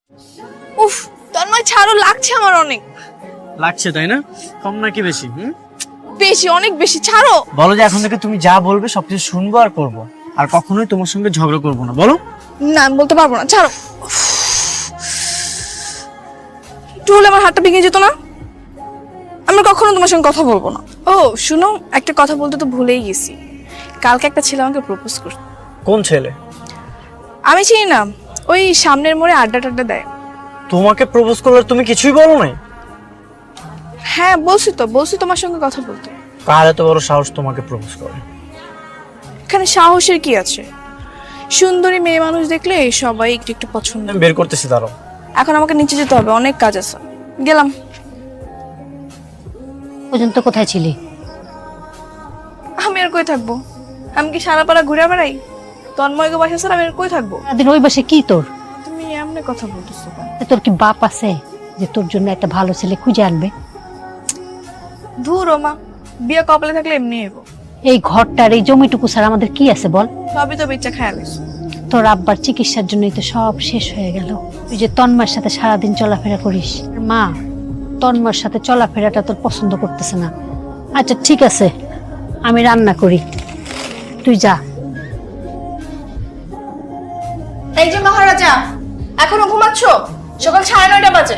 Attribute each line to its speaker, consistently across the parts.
Speaker 1: উফ, তন্ময় ছাড়ো, লাগছে আমার অনেক।
Speaker 2: লাগছে তাই না? কম নাকি বেশি?
Speaker 1: বেশি, অনেক বেশি, ছাড়ো।
Speaker 2: বলো যে এখন থেকে তুমি যা বলবে সবকিছু শুনবো আর করবো, আর কখনোই তোমার সঙ্গে ঝগড়া করবো না। বলো।
Speaker 1: না, আমি বলতে পারবো না, ছাড়ো। উফ, একটু হলে আমার হাতটা ভেঙে যেত না। আমি কখনো তোমার সঙ্গে কথা বলবো না। ও শুনো, একটা কথা বলতে তো ভুলেই গেছি। কালকে একটা ছেলে আমাকে প্রপোজ করছে।
Speaker 2: কোন ছেলে?
Speaker 1: আমি চিনি না, ওই সামনের মোড়ে আড্ডা টাড্ডা দেয়।
Speaker 2: তোমাকে প্রপোজ করলে তুমি কিছুই বলো নাই?
Speaker 1: হ্যাঁ বলছি তোমার সঙ্গে কথা বলতে।
Speaker 2: কার এত বড় সাহস তোমাকে প্রপোজ করে?
Speaker 1: এখানে সাহসের কি আছে? সুন্দরী মেয়ে মানুষ দেখলে সবাই একটু একটু পছন্দ।
Speaker 2: আমি বের করতেছি, দাঁড়াও।
Speaker 1: এখন আমাকে নিচে যেতে হবে, অনেক কাজ আছে। গেলাম।
Speaker 3: পর্যন্ত কোথায় ছিলি?
Speaker 1: আমি আর কই থাকবো? আমি কি সারা পাড়া ঘুরে বেড়াই? তন্ময়কে বাসা ছাড়া আমি আর কই থাকবো?
Speaker 3: সারাদিন ওই বাসে কি তোর?
Speaker 1: তুমি এমনি কথা বলতেছো কেন?
Speaker 3: তোর কি বাপ আছে যে তোর জন্য একটা ভালো ছেলে খুঁজে আনবে?
Speaker 1: ধুর মা, বিয়ে কপালে থাকলে এমনি হইবো।
Speaker 3: এই ঘরটার এই জমিটুকু ছাড়া আমাদের কি আছে বল?
Speaker 1: সবই তো বেচা খায় গেছে।
Speaker 3: তোর আব্বার চিকিৎসার জন্যই তো সব শেষ হয়ে গেল। তুই যে তন্মার সাথে সারাদিন চলাফেরা করিস, মা তন্মার সাথে চলাফেরাটা তোর পছন্দ করতেছে না। আচ্ছা ঠিক আছে, আমি রান্না করি, তুই যা।
Speaker 1: এই যে মহারাজা, এখনো ঘুমাচ্ছ? সকাল 9:30 বাজে।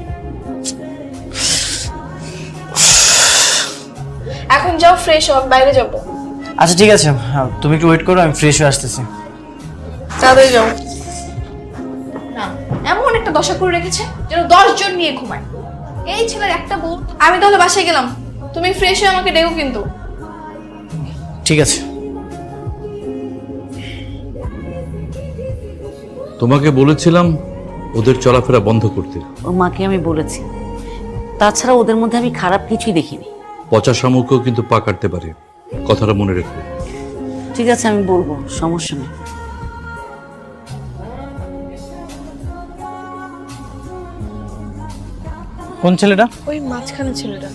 Speaker 1: এখন যাও, ফ্রেশ হও, বাইরে যাবো।
Speaker 2: আচ্ছা ঠিক আছে, তুমি একটু ওয়েট করো, আমি ফ্রেশ হয়ে আসতেছি।
Speaker 1: তাড়াতাড়ি যাও। না, এমন একটা দশা করে রেখেছে যেন 10 জন নিয়ে ঘুমায়। এই ছেলের একটা বউ। আমি তাহলে বাসায় গেলাম, তুমি ফ্রেশ হয়ে আমাকে ডেকো কিন্তু।
Speaker 2: ঠিক আছে।
Speaker 4: তোমাকে বলেছিলাম ওদের চলাফেরা বন্ধ করতে।
Speaker 5: ওর মাকে আমি বলেছি, তাছাড়া ওদের মধ্যে আমি খারাপ কিছুই দেখিনি।
Speaker 4: পচা শামুকও কিন্তু পা কাটতে পারে, কথাটা মনে রেখো।
Speaker 5: ঠিক আছে, আমি বলবো, সমস্যা নেই।
Speaker 2: কোন ছেলেটা?
Speaker 1: ওই মাঝখানে ছেলেটা।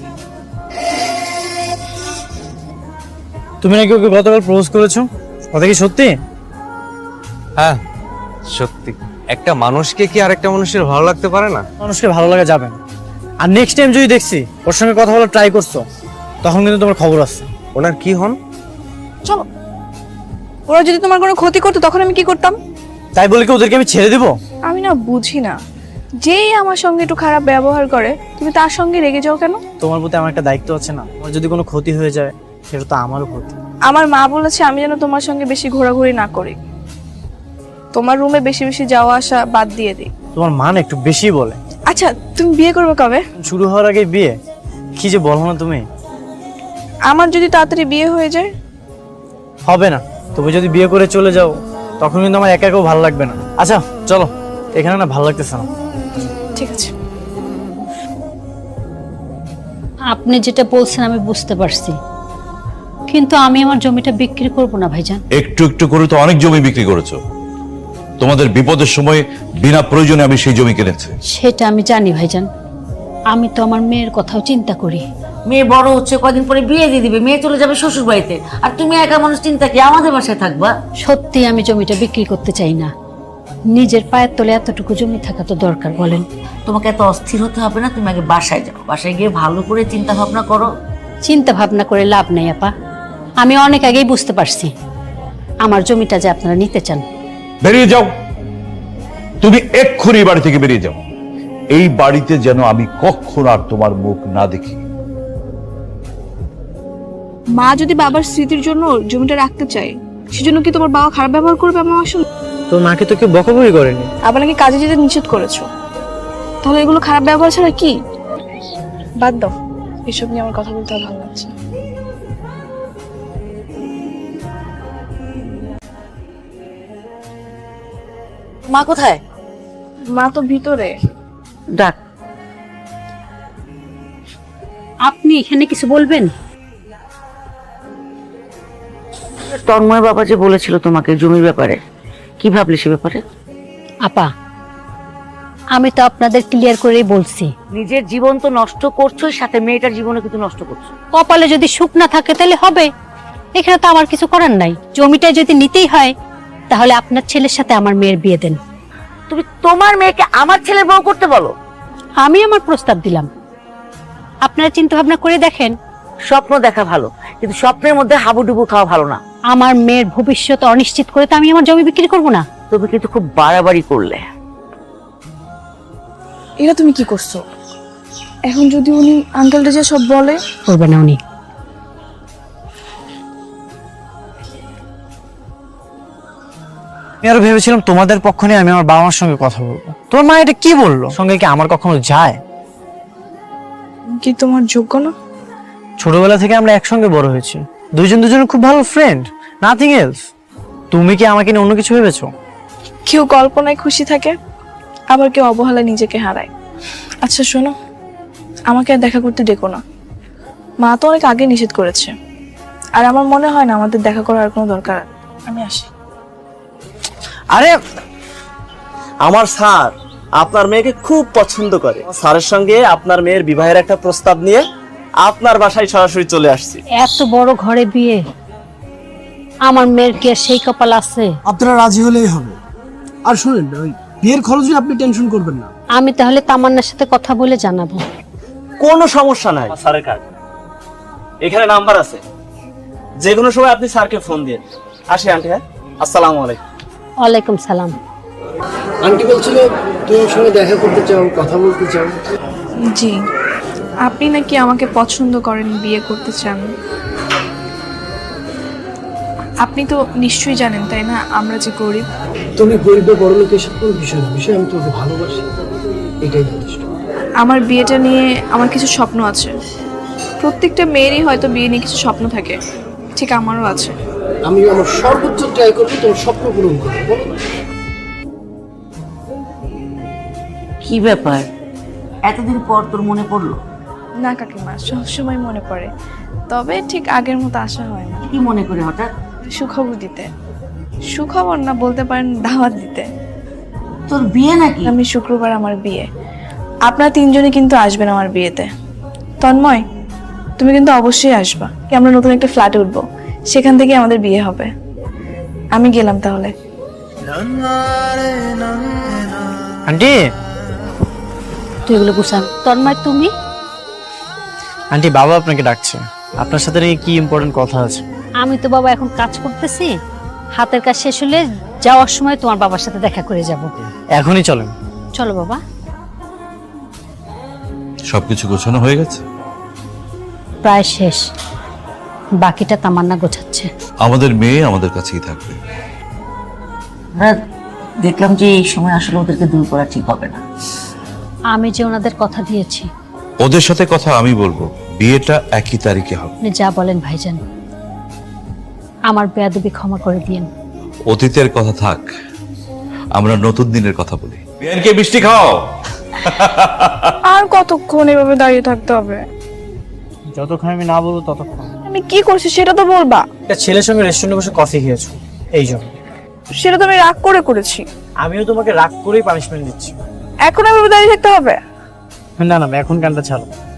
Speaker 2: তুমি নাকি ওকে গতকাল প্রপোজ করেছো, কথা কি সত্যি?
Speaker 6: হ্যাঁ সত্যি। একটা মানুষকে কি আরেকটা মানুষের ভালো লাগতে পারে না?
Speaker 2: মানুষকে ভালো লাগা যাবে না। আর নেক্সট টাইম যদি দেখছি ওর সঙ্গে কথা বলার ট্রাই করছো, তখন কিন্তু তোমার খবর আছে।
Speaker 6: ওনার কি হন?
Speaker 1: চলো। ওরা যদি তোমার কোনো ক্ষতি করতো তখন আমি কি করতাম?
Speaker 2: তাই বলে কি ওদেরকে আমি ছেড়ে দিব?
Speaker 1: আমি না বুঝি না, যেই আমার সঙ্গে একটু খারাপ ব্যবহার করে তুমি তার সঙ্গে রেগে যাও কেন?
Speaker 2: তোমার প্রতি আমার একটা দায়িত্ব আছে না? আমার যদি কোনো ক্ষতি হয়ে যায় সেটা তো আমারও ক্ষতি।
Speaker 1: আমার মা বলেছে আমি যেন তোমার সঙ্গে বেশি ঘোরাঘুরি না করি, তোমার রুমে বেশি বেশি যাওয়া আসা বাদ দিয়ে দিই।
Speaker 2: তোমার মান একটু বেশি বলে।
Speaker 1: আচ্ছা, তুমি বিয়ে করবে কবে?
Speaker 2: শুরু হওয়ার আগে বিয়ে? কি যে বলো না তুমি।
Speaker 1: আমার যদি তাড়াতাড়ি বিয়ে হয়ে যায়?
Speaker 2: হবে না, তুমি যদি বিয়ে করে চলে যাও তখন কিন্তু আমার একা একাও ভালো লাগবে না। আচ্ছা চলো, এখানে না ভালো লাগতেছে না।
Speaker 1: ঠিক আছে।
Speaker 3: আপনি যেটা বলছেন আমি বুঝতে পারছি, কিন্তু আমি আমার জমিটা বিক্রি করব না ভাইজান।
Speaker 4: একটু একটু করে তো অনেক জমি বিক্রি করেছো। তোমাদের বিপদের সময় বিনা প্রয়োজনে আমি সেই জমি কিনেছি।
Speaker 3: সেটা আমি জানি ভাইজান, আমি তো আমার মেয়ের কথাও চিন্তা করি।
Speaker 5: মেয়ে বড় হচ্ছে, কয়দিন পরে বিয়ে দিয়ে দিবে, মেয়ে চলে যাবে শ্বশুর বাড়িতে, আর তুমি একা মানুষ চিন্তা কি আমাদের বাসায় থাকবা?
Speaker 3: সত্যি আমি জমিটা বিক্রি করতে চাই না। নিজের পায়ের তলে এতটুকু জমি থাকা তো দরকার বলেন।
Speaker 5: তোমাকে এত অস্থির হতে হবে না, তুমি আগে বাসায় যাও, বাসায় গিয়ে ভালো করে চিন্তা ভাবনা করো।
Speaker 3: চিন্তা ভাবনা করে লাভ নেই আপা, আমি অনেক আগেই বুঝতে পারছি আমার জমিটা যে আপনারা নিতে চান।
Speaker 4: বেরিয়ে যাও, তুমি এক্ষুনি এই বাড়ি থেকে বেরিয়ে যাও। এই বাড়িতে যেন আমি কখনো আর তোমার মুখ না দেখি।
Speaker 1: মা যদি বাবার স্মৃতির জন্য জমিটা রাখতে চায়, সেজন্য কি তোমার বাবা খারাপ ব্যবহার করবে আমার সঙ্গে?
Speaker 2: তো মাকে তো কেউ বকাবকি করেনি।
Speaker 1: আবার নাকি কাজে যেতে নিষেধ করেছো, তাহলে এগুলো খারাপ ব্যবহার ছাড়া কি? বাদ দাও, এসব নিয়ে আমার কথা বলতে আর ভালো লাগছে না।
Speaker 5: মা কোথায়?
Speaker 1: মা তো ভিতরে।
Speaker 5: ডাক।
Speaker 3: আপনি এখানে কিছু বলবেন?
Speaker 5: তন্ময় বাবা যে বলেছিল তোমাকে জমির ব্যাপারে, কি ভাবলে সে ব্যাপারে?
Speaker 3: আপা আমি তো আপনাদের ক্লিয়ার করেই বলছি,
Speaker 5: নিজের জীবন তো নষ্ট করছো, সাথে মেয়েটার জীবনও কিন্তু নষ্ট করছো।
Speaker 3: কপালে যদি সুখ না থাকে তাহলে হবে, এখানে তো আমার কিছু করার নাই। জমিটা যদি নিতেই হয় তাহলে আপনার ছেলের সাথে আমার মেয়ের বিয়ে দেন।
Speaker 5: তুমি তোমার মেয়েকে আমার ছেলের বউ করতে বলো?
Speaker 3: আমি আমার প্রস্তাব দিলাম, আপনারা চিন্তা ভাবনা করে দেখেন।
Speaker 5: স্বপ্ন দেখা ভালো, কিন্তু স্বপ্নের মধ্যে হাবুডুবু খাওয়া ভালো না।
Speaker 3: আমার মেয়ের ভবিষ্যৎ অনিশ্চিত করে তো আমি আমার জমি বিক্রি করব না।
Speaker 5: তুমি কিন্তু খুব বাড়াবাড়ি করলে।
Speaker 1: এটা তুমি কি করছো? এখন যদি উনি আঙ্কেলটা যে সব বলে?
Speaker 3: করবে না উনি।
Speaker 2: আমি আরো ভেবেছিলাম তোমাদের পক্ষ নিয়ে আমি আমার বাবা মার সঙ্গে কথা বলবো। তোমার মা এটা কি বললো? সঙ্গে কি আমার কখনো যায়?
Speaker 1: কি তোমার যোগ্য না?
Speaker 2: ছোটবেলা থেকে আমরা একসঙ্গে বড় হয়েছি, দুজনের খুব ভালো ফ্রেন্ড, নাথিং এলস। তুমি কি আমাকে নিয়ে অন্য কিছু ভেবেছো?
Speaker 1: কেউ কল্পনায় খুশি থাকে, আবার কেউ অবহেলায় নিজেকে হারায়। আচ্ছা শোনো, আমাকে আর দেখা করতে ডেকো না। মা তো অনেক আগে নিষেধ করেছে, আর আমার মনে হয় না আমাদের দেখা করার আর কোনো দরকার। আমি আসি।
Speaker 2: আরে
Speaker 7: আমার স্যার আপনার মেয়েকে খুব পছন্দ করে। স্যারের সঙ্গে আপনার মেয়ের বিবাহের একটা প্রস্তাব নিয়ে আপনার বাসায় সরাসরি চলে আসছি।
Speaker 3: এত বড় ঘরে বিয়ে, আমার মেয়ের কি আর সেই কপাল আছে?
Speaker 8: আপনারা রাজি হলেই হবে। আর শুনেন, ওই বিয়ের খরচ নিয়ে আপনি টেনশন করবেন না।
Speaker 3: আমি তাহলে তামান্নার সাথে কথা বলে জানাবো।
Speaker 7: কোনো সমস্যা নাই, স্যারের কার্ড এখানে নাম্বার আছে, যে কোনো সময় আপনি স্যারকে ফোন দিয়ে আসি। আন্টি, হ্যাঁ, আসসালামু আলাইকুম।
Speaker 3: ওয়ালাইকুম সালাম।
Speaker 8: আন্টি বলছিল তোমার সঙ্গে দেখা করতে চাও, কথা বলতে চাও।
Speaker 1: জি, আপনি নাকি আমাকে পছন্দ করেন, বিয়ে করতে চান। আপনি তো নিশ্চয়ই জানেন, তাই না, আমরা যে গরিব।
Speaker 8: তুমি গরিব বা বড় লোক এসব কোনো বিষয় না, বিষয় আমি তোমাকে ভালোবাসি, এটাই যথেষ্ট।
Speaker 1: আমার বিয়েটা নিয়ে আমার কিছু স্বপ্ন আছে। প্রত্যেকটা মেয়েরই হয়তো বিয়ে নিয়ে কিছু স্বপ্ন থাকে, ঠিক আমারও আছে।
Speaker 8: আমি আমার সর্বোচ্চ ট্রাই করবো তোমার স্বপ্ন পূরণ করবো। বলো না?
Speaker 5: কি ব্যাপার, এতদিন পর তোর মনে পড়লো?
Speaker 1: না কাকিমা, সবসময় মনে পড়ে, তবে ঠিক আগের মতো আশা হয় না।
Speaker 5: কি মনে করে হঠাৎ?
Speaker 1: সুখবর দিতে। সুখবর না, বলতে পারেন দাওয়াত দিতে।
Speaker 5: তোর বিয়ে নাকি?
Speaker 1: আমি শুক্রবার আমার বিয়ে। আপনারা তিনজনই কিন্তু আসবেন আমার বিয়েতে। তন্ময়, তুমি কিন্তু অবশ্যই আসবা। আমরা নতুন একটা ফ্ল্যাটে উঠবো, সেখান থেকে আমাদের বিয়ে হবে। আমি গেলাম তাহলে।
Speaker 2: আন্টি,
Speaker 3: তুই এগুলো গুছান। তন্ময় তুমি?
Speaker 2: আন্টি বাবা আপনাকে ডাকছে, আপনার সাথে নাকি কি ইম্পর্টেন্ট কথা আছে।
Speaker 3: আমি তো বাবা এখন কাজ করতেছি, হাতের কাজ শেষ হলে যাওয়ার সময় তোমার বাবার সাথে দেখা করে যাব।
Speaker 2: এখনই চলেন।
Speaker 3: চলো বাবা।
Speaker 4: সবকিছু গোছানো হয়ে গেছে?
Speaker 3: প্রায় শেষ, বাকিটা তামান্না গোছাচ্ছে।
Speaker 4: আমাদের মেয়ে আমাদের কাছেই থাকবে।
Speaker 5: আমরা দেখলাম যে এই সময় আসলে ওদেরকে দূর করা ঠিক হবে না।
Speaker 3: আমি যে ওনাদের কথা দিয়েছি।
Speaker 4: ওদের সাথে কথা আমি বলবো, বিয়েটা একই তারিখে হবে।
Speaker 3: আপনি যা বলেন ভাইজান, আমার বেয়াদবি ক্ষমা করে দিয়েন।
Speaker 4: অতীতের কথা থাক, আমরা নতুন দিনের কথা বলি। বিয়ানকে মিষ্টি খাও।
Speaker 1: আর কতক্ষণ এভাবে দাঁড়িয়ে থাকতে হবে?
Speaker 2: যতক্ষণ আমি না বলবো ততক্ষণ।
Speaker 1: আমি কি করছি সেটা তো বলবা।
Speaker 2: একটা ছেলের সঙ্গে রেস্টুরেন্টে বসে কফি খেয়েছো, এই জন্য।
Speaker 1: সেটা তো আমি রাগ করে করেছি।
Speaker 2: আমিও তোমাকে রাগ করেই পানিশমেন্ট দিচ্ছি।
Speaker 1: এখন এভাবে দাঁড়িয়ে থাকতে হবে?
Speaker 2: না না, এখন কানটা ছাড়ো।